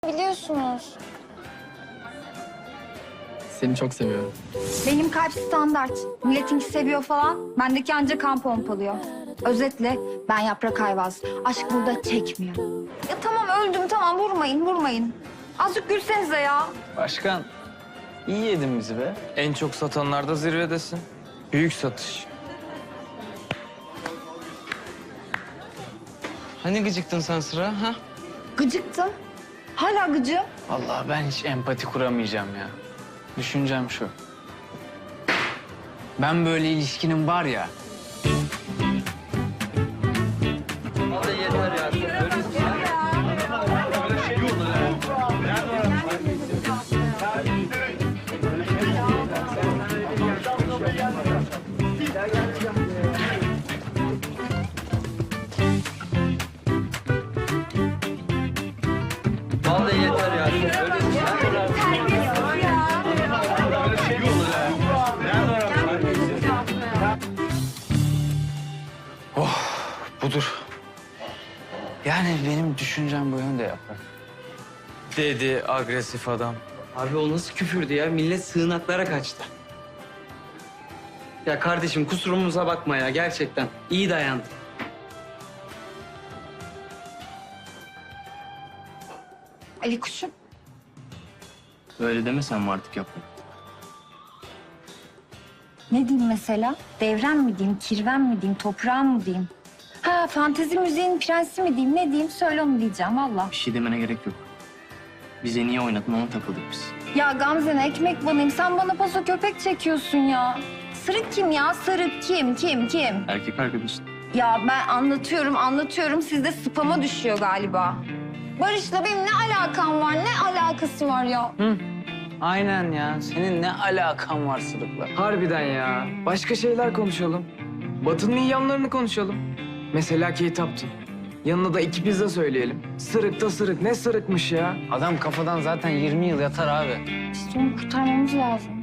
Biliyorsunuz. Seni çok seviyorum. Benim kalp standart. Milletinki seviyor falan. Bendeki ancak kan pompalıyor. Özetle ben Yaprak Ayvaz. Aşk burada çekmiyor. Ya tamam öldüm tamam vurmayın. Azıcık gülsenize ya. Başkan, iyi yedin bizi be. En çok satanlarda zirvedesin. Büyük satış. Hani gıcıktın sen Sıra ha? Gıcıktım. Hala gıcığım. Vallahi ben hiç empati kuramayacağım ya. Düşüncem şu. Ben böyle ilişkinin var ya... Vallahi yeter ya. Budur. Yani benim düşüncem bu yönde Yaprak. Dedi agresif adam. Abi o nasıl küfürdü ya? Millet sığınaklara kaçtı. Ya kardeşim kusurumuza bakma ya gerçekten. İyi dayandın. Ali kuşum. Öyle demesen mi artık Yaprak? Ne diyeyim mesela? Devrem mi diyeyim, kirven mi diyeyim, toprağım mı diyeyim? Ha fantezi müziğin prensi mi diyeyim, ne diyeyim? Söyle onu diyeceğim valla. Bir şey demene gerek yok. Bize niye oynadın ona takıldık biz. Ya Gamze'ne ekmek banayım. Sen bana paso köpek çekiyorsun ya. Sırık kim ya? Sırık kim? Erkek arkadaşın. Ya ben anlatıyorum. Sizde spama düşüyor galiba. Barış'la benim ne alakam var? Ne alakası var ya? Aynen ya. Senin ne alakan var Sırık'la? Harbiden ya. Başka şeyler konuşalım. Batı'nın iyi yanlarını konuşalım. Mesela Kate Upton. Yanına da 2 pizza söyleyelim. Sırık da sırık. Ne sırıkmış ya? Adam kafadan zaten 20 yıl yatar abi. İşte onu kurtarmamız lazım.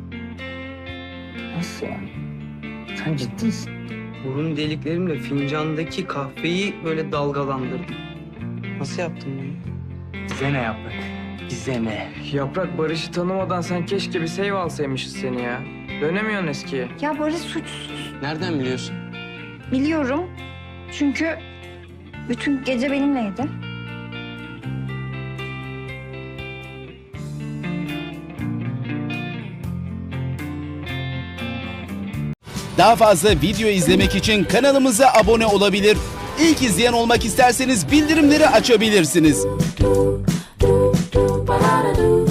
Nasıl yani? Sen ciddisin. Burun deliklerimle fincandaki kahveyi böyle dalgalandırdım. Nasıl yaptın bunu? Bize ne Yaprak? Bize ne? Yaprak Barış'ı tanımadan sen keşke bir save alsaymışız seni ya. Dönemiyorsun eskiye. Ya Barış suçsuz. Nereden biliyorsun? Biliyorum. Çünkü bütün gece benimleydi. Daha fazla video izlemek için kanalımıza abone olabilir. İlk izleyen olmak isterseniz bildirimleri açabilirsiniz.